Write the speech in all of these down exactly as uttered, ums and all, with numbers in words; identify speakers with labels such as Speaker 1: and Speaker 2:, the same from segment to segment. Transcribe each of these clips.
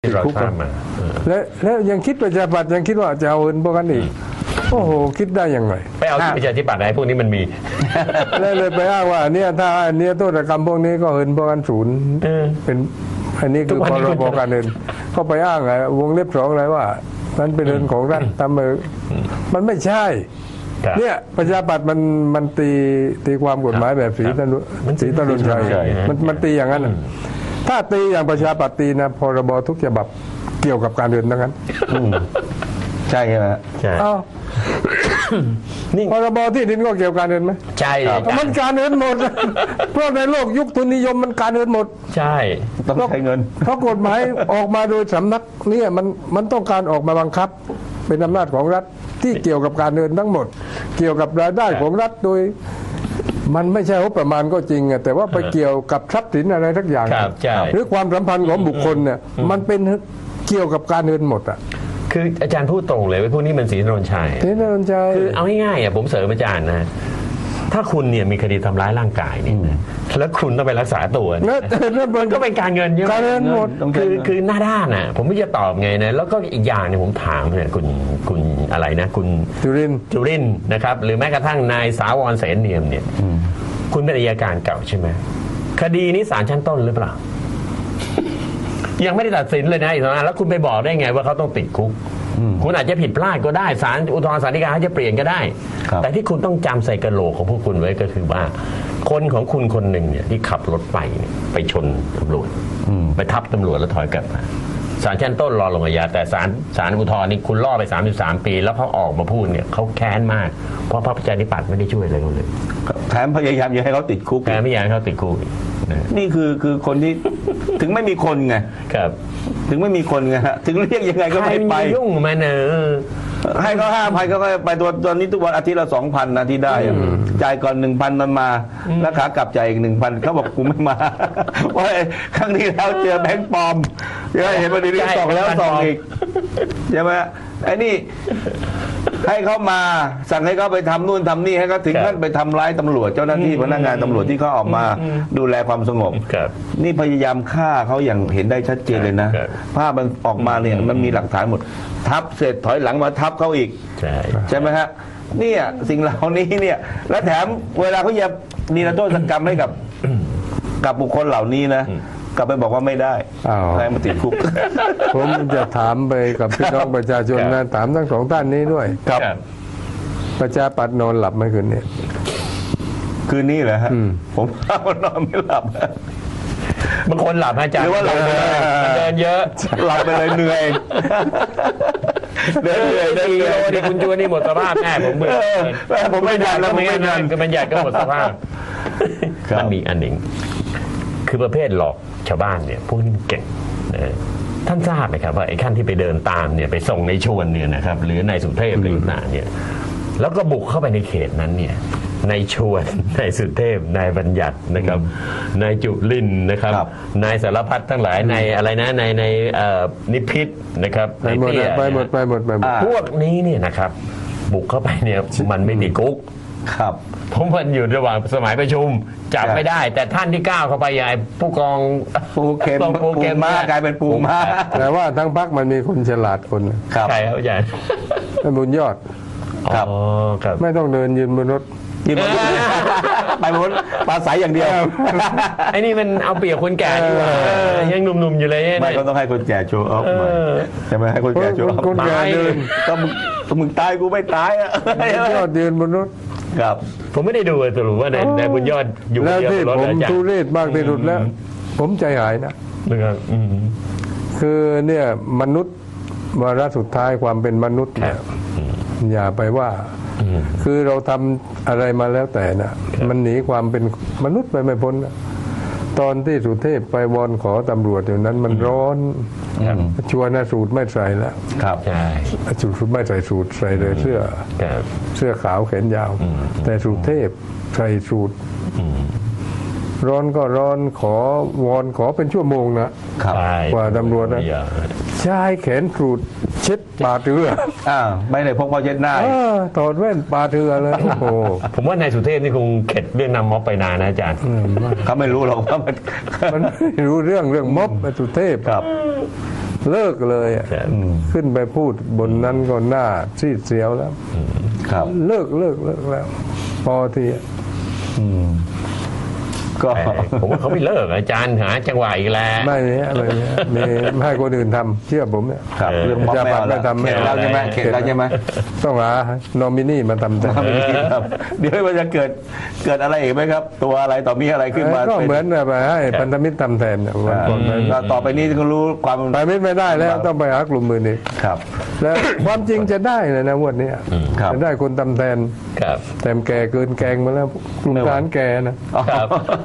Speaker 1: ที่เราทราบมา
Speaker 2: และแล้วยังคิดประชาธิปัตย์ยังคิดว่าจะเอาเงินพวกนั้นอีกโอ้โหคิดได้ยังไง
Speaker 1: ไปเอาที่ประชาธิปัตย์ไหนพวกนี้มันมี
Speaker 2: เลยเลยไปอ้างว่าเนี่ยถ้าอันนี้โทษกรรมพวกนี้ก็เงินพวกนั้นศูนย์เป็นอันนี้คือพรบการเงินก็ไปอ้างไงวงเล็บสองอะไรว่ามันเป็นเงินของรัฐตามมือมันไม่ใช่เนี่ยประชาธิปัตย์มันมันตีตีความกฎหมายแบบสีตนุสีตนุนชัยมันมันตีอย่างนั้นถ้าตีอย่างประชาธิปัตย์ตีนะพรบทุกฉบับเกี่ยวกับการเงินทั้งนั้น
Speaker 3: ใช่ไหม
Speaker 1: ใช่
Speaker 2: นี่พรบที่ดินก็เกี่ยวกับการเงินไหม
Speaker 1: ใช่
Speaker 2: มันการเงินหมดเพราะในโลกยุคทุนนิยมมันการเงินหมด
Speaker 1: ใช่
Speaker 3: ต้องใช้เงิน
Speaker 2: เพราะกฎหมายออกมาโดยสำนักเนี่ยมันมันต้องการออกมาบังคับเป็นอำนาจของรัฐที่เกี่ยวกับการเงินทั้งหมดเกี่ยวกับรายได้ของรัฐโดยมันไม่ใช่งบประมาณก็จริงแต่ว่าไปเกี่ยวกับทรัพย์สินอะไรทักอย่างหรือความสัมพันธ์ของบุคคลเนี่ยมันเป็นเกี่ยวกับการเงินหมดอ่ะ
Speaker 1: คืออาจารย์พูดตรงเลยว่าพวกนี้มันสีนนชัย
Speaker 2: สีนนชัย
Speaker 1: คือเอาง่ายๆอ่ะผมเสริมอาจารย์นะถ้าคุณเนี่ยมีคดีทำร้ายร่างกายเนี่ยแล้วคุณต้องไปรักษาตัวมันก็เป็นการเงินเยอะ
Speaker 2: การเงินหมด
Speaker 1: คือคือหน้าด้านอ่ะผมไม่จะตอบไงนะแล้วก็อีกอย่างเนี่ยผมถามเนี่ยคุณคุณอะไรนะคุณ
Speaker 2: จุริน
Speaker 1: จุรินนะครับหรือแม้กระทั่งนายสาวรเสนเนียมเนี่ยคุณเป็นอัยการเก่าใช่ไหมคดีนี้ศาลชั้นต้นหรือเปล่ายังไม่ได้ตัดสินเลยนะอีกนะแล้วคุณไปบอกได้ไงว่าเขาต้องติดคุกคุณอาจจะผิดพลาดก็ได้ศาลอุทธรณ์ศาลฎีกาเขาจะเปลี่ยนก็ได้แต่ที่คุณต้องจำใส่กระโหลกของพวกคุณไว้ก็คือว่าคนของคุณคนหนึ่งเนี่ยที่ขับรถไปเนี่ยไปชนตำรวจไปทับตำรวจแล้วถอยกลับมาศาลชั้นต้นรอลงอาญาแต่ศาลศาลอุทธรณ์นี่คุณล่อไปสามสิบสามปีแล้วเขาออกมาพูดเนี่ยเขาแค้นมากเพราะพรรคประชาธิปัตย์ไม่ได้ช่วยอะไรเขาเลย
Speaker 3: แถมพยายามจะให้เขาติดคุก
Speaker 1: แถมไม่อยากให้เขาติดคุก
Speaker 3: นี่คือคือคนที่ถึงไม่มีคนไง
Speaker 1: ครับ
Speaker 3: ถึงไม่มีคนไงฮะถึงเรียกยังไงก็ไม่ไป
Speaker 1: ยุ่งมาเนอะ
Speaker 3: ให้เขาห้าพันก็ไปตัวตอนนี้ทุกวันอาทิตย์ละสองพันนะที่ได้จ่ายก่อนหนึ่งพันมันมาแล้วขากลับจ่ายอีกหนึ่งพันเขาบอกกูไม่มาเพราะครั้งนี้แล้วเจอแบงค์ปลอมเห็นประเด็นนี้สองแล้วสองอีกใช่ไหมไอ้นี่ให้เขามาสั่งให้เขาไปทำนู่นทำนี่ให้เขาถึงขั้นไปทำร้ายตำรวจเจ้าหน้าที่พนักงานตำรวจที่เขาออกมาดูแลความสงบนี่พยายามฆ่าเขาอย่างเห็นได้ชัดเจนเลยนะภาพมันออกมาเนี่ยมันมีหลักฐานหมดทับเสร็จถอยหลังมาทับเขาอีกใช่ไหมฮะเนี่ยสิ่งเหล่านี้เนี่ยและแถมเวลาเขาจะนิรโทษกรรมให้กับกับบุคคลเหล่านี้นะกลับไปบอกว่าไม่ได้ให้มาติดคุก
Speaker 2: ผมจะถามไปกับพี่น้องประชาชนนะถามทั้งสองท่านนี้ด้วย
Speaker 3: ครับ
Speaker 2: ประชาปัตย์นอนหลับไหมคืนนี้
Speaker 3: คืนนี้เหรอฮะผมนอนไม่หลับบ
Speaker 1: างคนหลับอาจารย์หรือว่าหลับมันเดินเยอะ
Speaker 3: หลับไปเลยเหนื่อย
Speaker 1: เดินเหนื่อยเดินเหนื่อยที่คุณจูนี่หมดสภาพแน่ผมเบื่อ
Speaker 3: ผมไม่ทันแล้วไม่ทัน
Speaker 1: ก็มันใหญ่ก็หมดสภาพมันมีอันหนึ่งคือประเภทหลอกชาวบ้านเนี่ยพวกนี้เก่งนะท่านทราบไหมครับว่าไอ้ขั้นที่ไปเดินตามเนี่ยไปส่งในชวนเนี่ยนะครับหรือในสุเทพหรือต่างเนี่ยแล้วก็บุกเข้าไปในเขตนั้นเนี่ยในชวนในสุเทพนายบัญญัตินะครับนายจุลินนะครับนายสารพัดทั้งหลายในอะไรนะในในนิพิษนะครับ
Speaker 2: ไปหมดไปหมดไปหมดไปหมด
Speaker 1: พวกนี้เนี่ยนะครับบุกเข้าไปเนี่ยมันไม่ติดคุก
Speaker 3: ครับ
Speaker 1: ผมมันอยู่ระหว่างสมัยประชุมจับไม่ได้แต่ท่านที่ก้าวเข้าไปใหญ่ผู้กอง
Speaker 3: ปูเข็มปูเข็มมากลายเป็นปูมา
Speaker 2: แต่ว่าทั้งพรรคมันมีคนฉลาดคน
Speaker 1: ใช่ครับอาจารย์
Speaker 2: บุญยอด
Speaker 1: ครับ
Speaker 2: ไม่ต้องเดินยืนบนรถ
Speaker 3: ยืนบนรถไปบนรถปลาใสอย่างเดียว
Speaker 1: ไอ้นี่มันเอาเปรียบคนแก่ยังหนุ่มๆอยู่เลย
Speaker 3: ไม่ก็ต้องให้คนแก่โชว์ออฟมาใช่ไหมให้คนแก่โชว์ออฟ
Speaker 2: คนแก่เดิน
Speaker 3: ก็มึงมึงตายกูไม่ตายอ่ะ
Speaker 2: ยอดเดินบนรถ
Speaker 1: ครับผมไม่ได้ดูสรุปว่าในในบุญยอดอยู่
Speaker 2: แล้วที่ผมทุเรศมากที่สุดแล้วผมใจหายนะ
Speaker 1: นะครับ
Speaker 2: คือเนี่ยมนุษย์วาระสุดท้ายความเป็นมนุษย์เนี่ยอย่าไปว่าคือเราทำอะไรมาแล้วแต่นะมันหนีความเป็นมนุษย์ไปไม่พ้นนะตอนที่สุเทพไปวอนขอตำรวจอยู่นั้นมันร้อนชวนนะสูตรไม่ใส่แล้ว
Speaker 1: ครับใช่
Speaker 2: สูตรไม่ใส่สูตรใส่เลยเสื้อเสื้อขาวแขนยาวแต่สุเทพใส่สูตรร้อนก็ร้อนขอวอนขอเป็นชั่วโมงนะกว่าตำรวจนะใช้แขนสูตรเช็ดปาเถือ
Speaker 3: อ่าไม่ได้พกผ้าเช็ดหน้า
Speaker 2: ถอดแว่นปาเถือเลยโอ้โห
Speaker 1: ผมว่านายสุเทพนี่คงเข็ดเรื่องนำม็อบไปนานนะอาจารย์
Speaker 3: เขาไม่รู้หรอกว่ามัน
Speaker 2: มันไม่รู้เรื่องเรื่องม็อบนายสุเทพ
Speaker 3: ครับ
Speaker 2: เลิกเลยอะ
Speaker 1: ครับ
Speaker 2: ขึ้นไปพูดบนนั้นก็หน้าซีดเสียวแล้ว
Speaker 3: ครับ
Speaker 2: เลิกเลิกเลิกแล้ว พอทีอะ
Speaker 3: ก็
Speaker 1: แต่ผมว่าเขาไม่เลิกอาจารย์หาจังหวะอีกแล้ว
Speaker 2: ไม่เนี้ยไม่เนี้ยมีไม่ให้คนอื่นทำเชื่อผมเนี่ย
Speaker 3: ครับเรื่องม็อบ
Speaker 2: จะ
Speaker 3: ไม่เอา
Speaker 2: ไม่
Speaker 3: แล้ว
Speaker 2: ทำไม่
Speaker 3: เข็ด
Speaker 2: เอา
Speaker 3: แล้วใช่ไหมเข็ดแล้วใช่ไหม
Speaker 2: ต้องหานอมินีมาทำแต่
Speaker 3: ไม่มีครับเดี๋ยวมันจะเกิดเกิดอะไรอีกไหมครับ ตัวอะไรต่อมีอะไรขึ้นมา
Speaker 2: ก็เหมือน
Speaker 3: ป็
Speaker 2: แบบให้พันธมิตรทำแทนเนี่ยวันก่อนไป
Speaker 3: แล้วต่อไปนี้ก็รู้ความ
Speaker 2: ไปไม่ได้แล้วต้องไปหากลุ่มมืออีก
Speaker 3: ครับ
Speaker 2: แล้วความจริงจะได้เลยนะงวันนี้
Speaker 3: ครับ
Speaker 2: จะได้คนทำแทน
Speaker 1: ครับ
Speaker 2: แต่แก่เกินแกงมาแล้วกลุ่มทหารแกนะ
Speaker 1: ครับ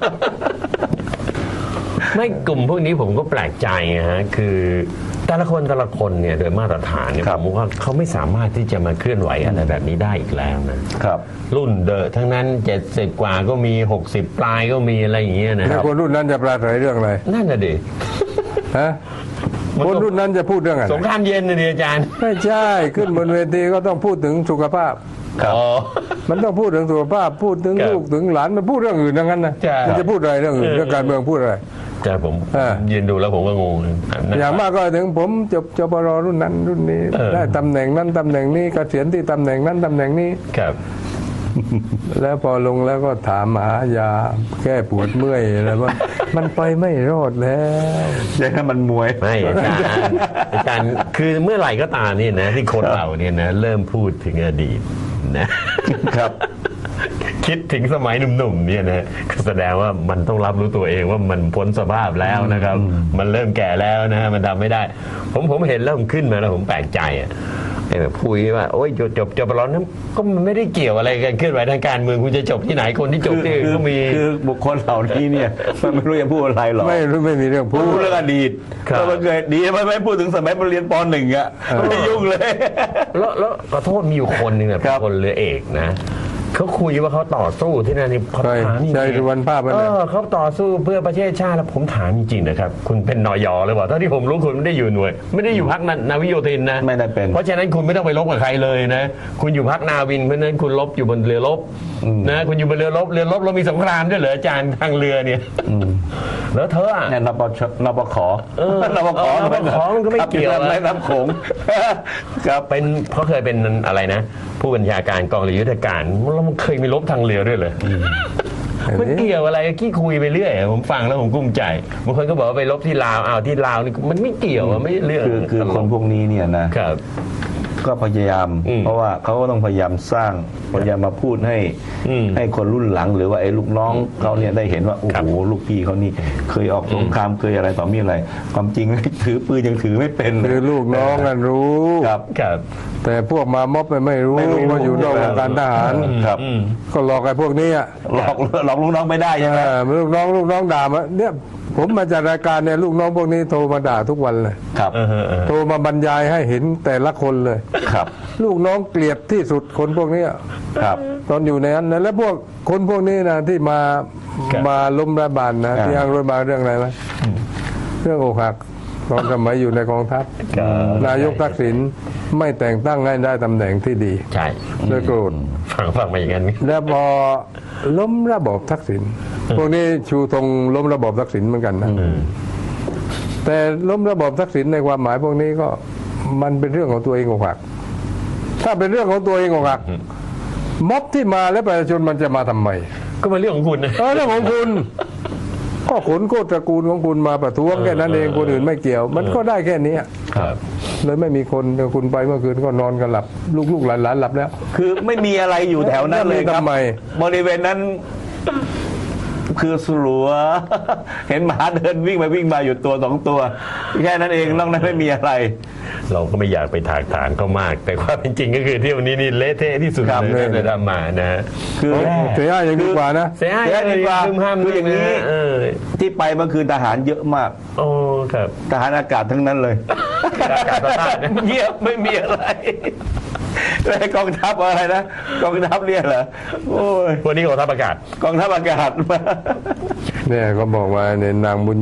Speaker 1: ไม่กลุ่มพวกนี้ผมก็แปลกใจนะฮะคือแต่ละคนแต่ละคนเนี่ยโดยมาตรฐานเนี่ย
Speaker 3: ครับ
Speaker 1: ผมว่าเขาไม่สามารถที่จะมาเคลื่อนไหวอะไรแบบนี้ได้อีกแล้วนะครับ รุ่นเดอะทั้งนั้นเจ็ดสิบกว่าก็มีหกสิบปลายก็มีอะไรอย่างเงี้ยนะค
Speaker 2: แล้
Speaker 1: รั
Speaker 2: ว
Speaker 1: บ
Speaker 2: คนรุ่นนั้นจะปราศัยเรื่องอะไร
Speaker 1: นั่นน่ะดิ
Speaker 2: ฮะคนรุ่นนั้นจะพูดเรื่องอะไร
Speaker 1: สงครามเย็นนะดิอาจารย์
Speaker 2: ไม่ใช่ขึ้นบนเวทีก็ต้องพูดถึงสุขภาพ
Speaker 3: ครับ
Speaker 1: อ๋อ
Speaker 2: มันต้องพูดถึงสุขภาพพูดถึง
Speaker 1: ครับ
Speaker 2: ลูกถึงหลานมันพูดเรื่องอื่นทั้งนั้นนะ
Speaker 1: ใช่
Speaker 2: มันจะพูดอะไรเรื่องอื่น
Speaker 1: เออ
Speaker 2: เรื่องการเมืองพูดอะไร
Speaker 1: ใช่ผม
Speaker 2: เออ
Speaker 1: ยืนดูแล้วผมก็งงนะ
Speaker 2: อย่างมากก็ถึงผมจบจปรรุ่นนั้นรุ่นนี้
Speaker 1: เออ
Speaker 2: ได้ตำแหน่งนั้นตำแหน่งนี้เกษียณที่ตำแหน่งนั้นตำแหน่งนี้
Speaker 1: ครับ
Speaker 2: แล้วพอลงแล้วก็ถามหายาแก้ปวดเมื่อยอะไรว่า มันไปไม่รอดแล้ว
Speaker 3: ใช่ไหมมันมวย
Speaker 1: ไม่อาจารย์อาจารย์คือเมื่อไหร่ก็ตามเนี่ยนะที่คนเราเนี่ยนะเริ่มพูดถึงอดีตนะครับ คิดถึงสมัยหนุ่มๆเนี่ยนะก็แสดงว่ามันต้องรับรู้ตัวเองว่ามันพ้นสภาพแล้วนะครับ มันเริ่มแก่แล้วนะฮะมันทำไม่ได้ ผมผมเห็นแล้วผมขึ้นมาแล้วผมแปลกใจอ่ะไอ้แบบพูดว่าโอ้ยจบจบจบไปแล้วนั้นก็มันไม่ได้เกี่ยวอะไรกันเคลื่อนไหวทางการเมืองคุณจะจบที่ไหนคนที่จบที่อื่น
Speaker 3: คือ
Speaker 1: ก็มี
Speaker 3: คือบุคคลเหล่านี้เนี่ยมันไม่รู้จะพูดอะไรหรอก
Speaker 2: ไม่รู้ไม่มีเรื่องพู
Speaker 3: พู
Speaker 2: ด
Speaker 3: ดเรื่องอดีต
Speaker 1: ครับ
Speaker 3: แล้วมันเกิดดีมันไม่พูดถึงสมัยมันเรียนปหนึ่งอ่ะไม่ยุ่งเลย
Speaker 1: แล้วแล้วขอโทษมีอยู่คนหนึ่งเนี่ย
Speaker 3: ครับ
Speaker 1: คนเรือเอกนะเขาคุยว่าเขาต่อสู้ที่นั่นนี่เขา
Speaker 2: ใช่
Speaker 1: ถามจริงๆ
Speaker 2: ใช่สุวรรณภาพนั่น
Speaker 1: เอ
Speaker 2: น่ะ
Speaker 1: อเขาต่อสู้เพื่อประเทศชาติแล้วผมถามจริงๆนะครับคุณเป็นนยหรือเปล่าเท่าที่ผมรู้คุณไม่ได้อยู่หน่วย ไม่ได้อยู่พักนาวิโยธินนะ
Speaker 3: ไม่ได้เป็น
Speaker 1: เพราะฉะนั้นคุณไม่ต้องไปรบกับใครเลยนะคุณอยู่พักนาวินเพราะฉะนั้นคุณรบอยู่บนเรือรบนะคุณอยู่บนเรือรบเรือรบเรามีสงครามด้วยเหรออาจารย์ทางเรือเนี่ยแล้วเธออะ
Speaker 3: เนี่ยนปชนปข
Speaker 1: เออน
Speaker 3: ปข
Speaker 1: เออนปขมันก็ไม่เกี่ยว
Speaker 3: ครับ
Speaker 1: นะ
Speaker 3: ในน้ำโขงครับ
Speaker 1: เป็นเขาเคยเป็นอะไรนะ ผู้บัญชาการกองเรือยุทธการแล้วมันเคยมีรบทางเรือด้วยเลยมันเกี่ยวอะไรขี้คุยไปเรื่อยผมฟังแล้วผมกุ้มใจบางคนก็บอกว่าไปรบที่ลาวอ้าวที่ลาวนี่มันไม่เกี่ยวอะไม่เรื่อง
Speaker 3: คือคือคนพวกนี้เนี่ยนะครับ ก็พยายาม
Speaker 1: อืม
Speaker 3: เพราะว่าเขาก็ต้องพยายามสร้างพยายามมาพูดให้
Speaker 1: อืม
Speaker 3: ให้คนรุ่นหลัง หรือว่าไอ้ลูกน้องเขาเนี่ยได้เห็นว่าโอ้
Speaker 1: ครั
Speaker 3: โห
Speaker 1: บ
Speaker 3: ลูกพี่เขานี่เคยออกสงครามเคยอะไรต่อมีอะไร ความจริง ถือปืนยังถือไม่เป็น
Speaker 2: คือลูกน้องกันรู้
Speaker 3: ครับ
Speaker 1: ครับ
Speaker 2: แต่พวกมาม็อบไม่รู้
Speaker 3: ไม่รู้
Speaker 2: ว่าอยู่นอกวงการทหาร
Speaker 3: ครับ
Speaker 1: อืม
Speaker 2: ก็หลอกไอ้พวกนี้อ่ะ
Speaker 3: หลอกหลอกลูกน้องไม่ได้ใช่ไหม
Speaker 2: เออลูกน้องลูกน้องด่ามาเนี่ยผมมาจากรายการเนี่ยลูกน้องพวกนี้โทรมาด่าทุกวันเลย
Speaker 3: ครับ
Speaker 1: เออเออเออ
Speaker 2: โทรมาบรรยายให้เห็นแต่ละคนเลย
Speaker 3: ครับ
Speaker 2: ลูกน้องเกลียดที่สุดคนพวกนี้อะ
Speaker 3: ครับ
Speaker 2: ตอนอยู่ในนั้นนะแล้วพวกคนพวกนี้นะที่มามาล้มรัฐบาลนะ
Speaker 3: อ่า
Speaker 2: ที่อ้างรัฐบาลเรื่องอะไรไหมเรื่องอกหักตอนสมัยอยู่ในกองทัพ
Speaker 1: ครับ
Speaker 2: นายกทักษิณไม่แต่งตั้งให้ได้ตำแหน่งที่ดี
Speaker 1: ใช่
Speaker 2: ด้วยโกรธ
Speaker 1: ฟังฟังมาอย่างนั้น
Speaker 2: แล้วพอล้มระบอบทักษิณพวกนี้ชูธงล้มระบอบทักษิณเหมือนกันนะแต่ล้มระบอบทักษิณในความหมายพวกนี้ก็มันเป็นเรื่องของตัวเองอกหัก ถ้าเป็นเรื่องของตัวเองอกหักม็อบที่มาและประชาชนมันจะมาทำไม
Speaker 1: ก็เป็นเรื่องของคุณนะ
Speaker 2: เออเรื่องของคุณ ก็ขนโคตรตระกูลของคุณมาประท้วงแค่นั้นเองคนอื่นไม่เกี่ยว มันก็ได้แค่นี้
Speaker 1: ครับ
Speaker 2: เลยไม่มีคนคุณไปเมื่อคืนก็นอนกันหลับ ลูกๆหลานๆหลับแล้ว
Speaker 3: คือไม่มีอะไรอยู่แถวนั้นเลยครับ
Speaker 2: ทำไม
Speaker 3: บริเวณนั้น คือสลัว เห็นหมาเดินวิ่งไปวิ่งมาอยู่ตัวสองตัว แค่นั้นเองนอกนั้นไม่มีอะไร
Speaker 1: เราก็ไม่อยากไปถากถางเขามาก แต่ความเป็นจริงก็คือเที่ยวนี้นี่เละเทะที่สุด
Speaker 3: ครับ
Speaker 1: เลยที่ทำมานะฮะ
Speaker 3: คือ
Speaker 2: เสียยังดีกว่านะ
Speaker 1: เสียหาย
Speaker 3: เสียหายดีกว่า
Speaker 1: ลืมห้าม
Speaker 3: คืออย่างนี้
Speaker 1: เออ
Speaker 3: ที่ไปเมื่อคืนทหารเยอะมาก
Speaker 1: โอ้ครับ
Speaker 3: ทหารอากาศทั้งนั้นเลย
Speaker 1: อากาศประทานนะ
Speaker 3: เงียบไม่มีอะไรแล้วกองทัพอะไรนะกองทัพเนี่ยเหรอโอ้ย
Speaker 1: วันนี้กองทัพอากาศ
Speaker 3: กองทัพอากาศมา
Speaker 2: เนี่ยเขาบอกว่าเนี่ยนางบุญยอด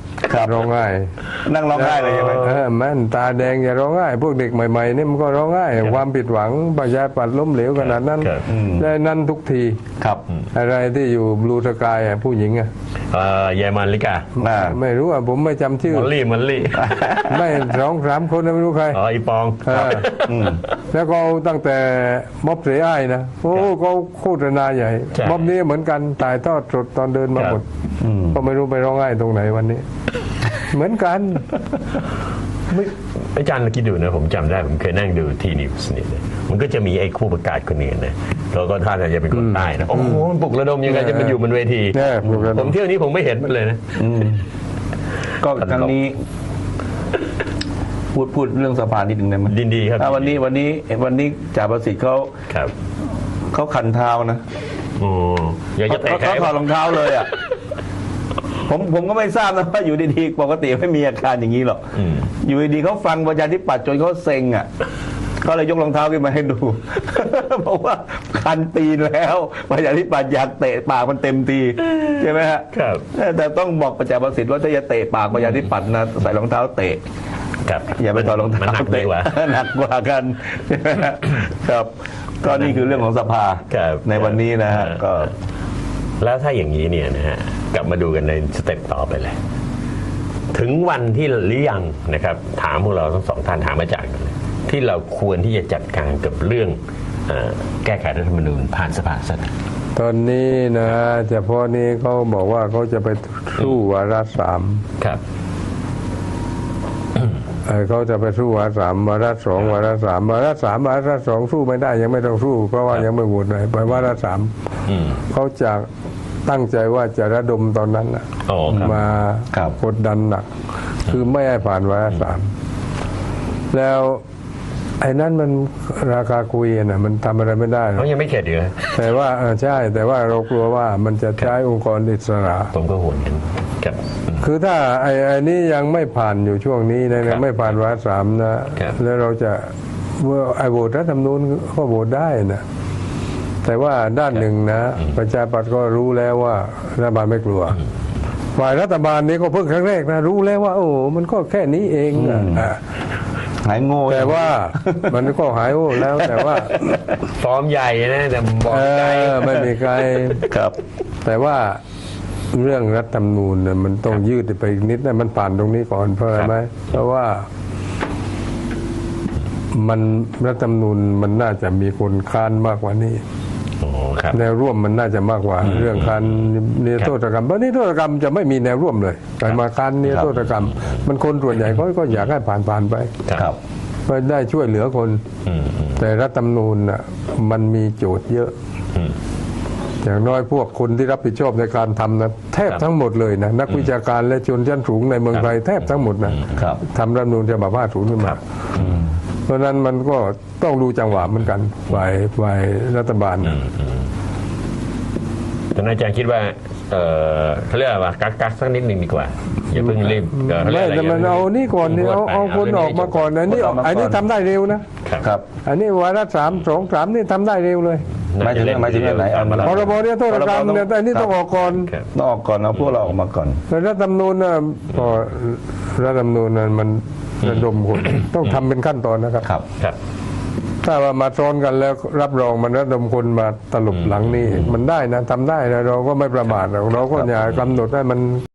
Speaker 3: ครับ
Speaker 2: ร้องไห้
Speaker 3: นั่งร้องไห้เลยใช่ไหม
Speaker 2: เออแม่นตาแดงอย่าร้องไห้พวกเด็กใหม่ๆนี่มันก็ร้องไห้ความผิดหวังประชาธิปัตย์ล้มเหลวขนาดนั้น
Speaker 1: ครับ
Speaker 2: และนั่นทุกที
Speaker 3: ครับ
Speaker 2: อะไรที่อยู่บลูสกายอ่ะผู้หญิงอ่ะ
Speaker 1: เอ่อเยอรมันลิกา
Speaker 3: อ่า
Speaker 2: ไม่รู้อ่ะผมไม่จำชื่อ
Speaker 1: มอลลี่มอลลี่
Speaker 2: ไม่สองสามคนนะไม่รู้ใคร
Speaker 1: อ๋ออีปอง
Speaker 2: เออ
Speaker 3: อืม
Speaker 2: แล้วก็เอาตั้งแต่ม็อบเสียอ้ายนะโอ้เขาโฆษณาใหญ่
Speaker 1: ใช่
Speaker 2: ม็อบนี้เหมือนกันถ่ายทอดสดตอนเดินมา
Speaker 1: ครับ
Speaker 2: หมด
Speaker 3: อืม
Speaker 2: ก็ไม่รู้ไปร้องไห้ตรงไหนวันนี้ เหมือนกัน
Speaker 1: ไม่อาจารย์คิดดูนะผมจำได้ผมเคยนั่งดูทีนิวส์เนี่ยนะมันก็จะมีไอ้คู่ประกาศคนนี้นะแล้วก็ท่านอาจจะเป็นคนใต้นะโอ้โหมันปลุกระดมยังไงจะมาอยู่บนเวที
Speaker 2: แน่ปลุกระดม
Speaker 1: ผมเที่ยวนี้ผมไม่เห็นมันเลยนะ
Speaker 3: ก็ครั้งนี้ พูดพูดเรื่องสภานิดหนึ่งได้ไหม
Speaker 1: ยินดีครับ
Speaker 3: อ่าวันนี้วันนี้วันนี้จ่าประสิทธิ์เขา
Speaker 1: ครับ
Speaker 3: เขาขันเท้านะ
Speaker 1: โอ้อยากจะ
Speaker 3: เขา
Speaker 1: เตะใคร
Speaker 3: เขาถอดรองเท้าเลยอ่ะ ผมผมก็ไม่ทราบนะว่าอยู่ดีๆปกติไม่มีอาการอย่างนี้หรอก
Speaker 1: อืม
Speaker 3: อยู่ดีๆเขาฟังประชาธิปัตย์จนเขาเซ็งอ่ะเขาเลยยกรองเท้าขึ้นมาให้ดู บอกว่าคันตีนแล้วประชาธิปัตย์อยากเตะปากมันเต็มทีใช่ไหมฮะ
Speaker 1: ครับ
Speaker 3: แต่ต้องบอกประชาประสิทธิ์ว่าถ้าจะเตะปากประชาธิปัตย์นะใส่รองเท้าเตะ
Speaker 1: ครับ
Speaker 3: อย่าไปถอดรอง
Speaker 1: มัน
Speaker 3: เท้า
Speaker 1: หนักดี
Speaker 3: เตะ
Speaker 1: กว่า
Speaker 3: หนักกว่ากันใช่ไหมฮะครับก็นี่คือเรื่องของสภา
Speaker 1: ครับ
Speaker 3: ในวันนี้นะฮะ
Speaker 1: ครับ
Speaker 3: ก็
Speaker 1: แล้วถ้าอย่างนี้เนี่ยนะฮะกลับมาดูกันในสเต็ปต่อไปเลย ถึงวันที่หรือยังนะครับ ถามพวกเราทั้งสองท่านถามอาจารย์กันเลยที่เราควรที่จะจัดการกับเรื่องเอ่อแก้ไขรัฐธรรมนูญผ่านสภาสัก
Speaker 2: ตอนนี้นะเฉพาะนี้เขาบอกว่าเขาจะไปสู้วาระสาม
Speaker 1: ครับ
Speaker 2: เอ่อเขาจะไปสู้วาระสามวาระสองวาระสามวาระสามวาระสองสู้ไม่ได้ยังไม่ต้องสู้ เพราะว่ายังไม่โหวตเลยไปวาระสาม
Speaker 1: อืม
Speaker 2: เขาจะตั้งใจว่าจะระดมตอนนั้นน่ะ
Speaker 1: อ๋อครับ
Speaker 2: มา
Speaker 3: ครับ
Speaker 2: กดดันหนัก คือไม่ให้ผ่านวาระสามแล้วไอ้นั้นมันราคาคุยนะมันทำอะไรไม่ได้หรอก
Speaker 1: เขายังไม่เข็ดอยู่เลย
Speaker 2: แต่ว่าเออใช่ แต่ว่าเรากลัวว่ามันจะใช้องค์กรอิสระ
Speaker 1: ผมก็ห่วงกันครับอืม
Speaker 2: คือถ้าไอ้ไอ้นี้ยังไม่ผ่านอยู่ช่วงนี้นะ
Speaker 1: ครั
Speaker 2: ยัง
Speaker 1: บ
Speaker 2: ไม่ผ่านวาระสามนะครับ แล้วเราจะเมื่อไอ้โหวตรัฐธรรมนูญก็โหวตได้นะแต่ว่าด้านหนึ่งนะ ประชาธิปัตย์ก็รู้แล้วว่ารัฐบาลไม่กลัวฝ่ายรัฐบาลนี้ก็เพิ่งครั้งแรกนะรู้แล้วว่า โอ้มันก็แค่นี้เองอะอ่ะ
Speaker 3: หายโง่
Speaker 2: แต่ว่ามันก็หายโอ้แล้วแต่ว่า
Speaker 1: ฟอร์มใหญ่นะแต่บอก
Speaker 2: เอ
Speaker 1: ใจ
Speaker 2: อไม่มีใคร
Speaker 3: ครับ
Speaker 2: แต่ว่าเรื่องรัฐธรรมนูญเนี่ยมันต้องยืดไปอีกนิดนะมันผ่านตรงนี้ก่อนเพราะอะไรไหมเพราะว่า มันรัฐธรรมนูญมันน่าจะมีคนค้านมากกว่านี้
Speaker 1: โอ้ครับ
Speaker 2: แนวร่วมมันน่าจะมากกว่า เรื่องการนิรโทษกรรมเพราะนิรโทษกรรมจะไม่มีแนวร่วมเลยแต่มาการนิรโทษกรรม มันคนส่วนใหญ่ก็ก็อยากให้ผ่านผ่านๆไป
Speaker 3: ครับ
Speaker 2: เพื่อได้ช่วยเหลือคน
Speaker 1: อืมอืม
Speaker 2: แต่รัฐธรรมนูญน่ะมันมีโจทย์เยอะ
Speaker 1: อืม
Speaker 2: อย่างน้อยพวกคนที่รับผิดชอบในการทำนะแทบทั้งหมดเลยนะนักวิชาการและชนชั้นสูงในเมืองไทยแทบทั้งหมดนะครับ ทำรัฐธรรมนูญฉบับห้าสิบขึ้นมาเพราะฉะนั้นมันก็ต้องดูจังหวะเหมือนกันฝ่ายฝ่ายรัฐบาลนะ
Speaker 1: ท่านอาจารย์คิดว่า เออเขาเรียกว่ากักกักสักนิดหนึ่งดีกว่า อย่าเพิ่งรีบเอ่อเขาเรีย
Speaker 2: ไม่
Speaker 1: กอะไร
Speaker 2: แต่มันเอานี่ก่อนนี่เอาเอาคนออกมาก่อนอันนี้
Speaker 3: คนออกมาก่อน
Speaker 2: อันนี้ทำได้เร็วนะ
Speaker 1: ครับ
Speaker 3: ครับ
Speaker 2: อันนี้วาระสามสองสามนี่ทำได้เร็วเลย
Speaker 3: หมายถึงหมายถึงอย่างไหนเอามา
Speaker 2: พรบเนี่ยโทษกรรมเนี่ยแต่อันนี้ต้องออกก่อน
Speaker 1: ครับ
Speaker 3: ต้องออกก่อนเอาพวกเราออกมาก่อน
Speaker 2: แต่รัฐธรรมนูญนะก็รัฐธรรมนูญนั้นมันระดมคนต้องทำเป็นขั้นตอนนะครับ
Speaker 3: ครับ
Speaker 1: ครับ
Speaker 2: ถ้าว่ามาซ้อนกันแล้วรับรองมันระดมคนมาตลบหลังนี่มันได้นะทำได้นะเราก็ไม่ประมาทหรอกเราก็อย่ากำหนดให้มัน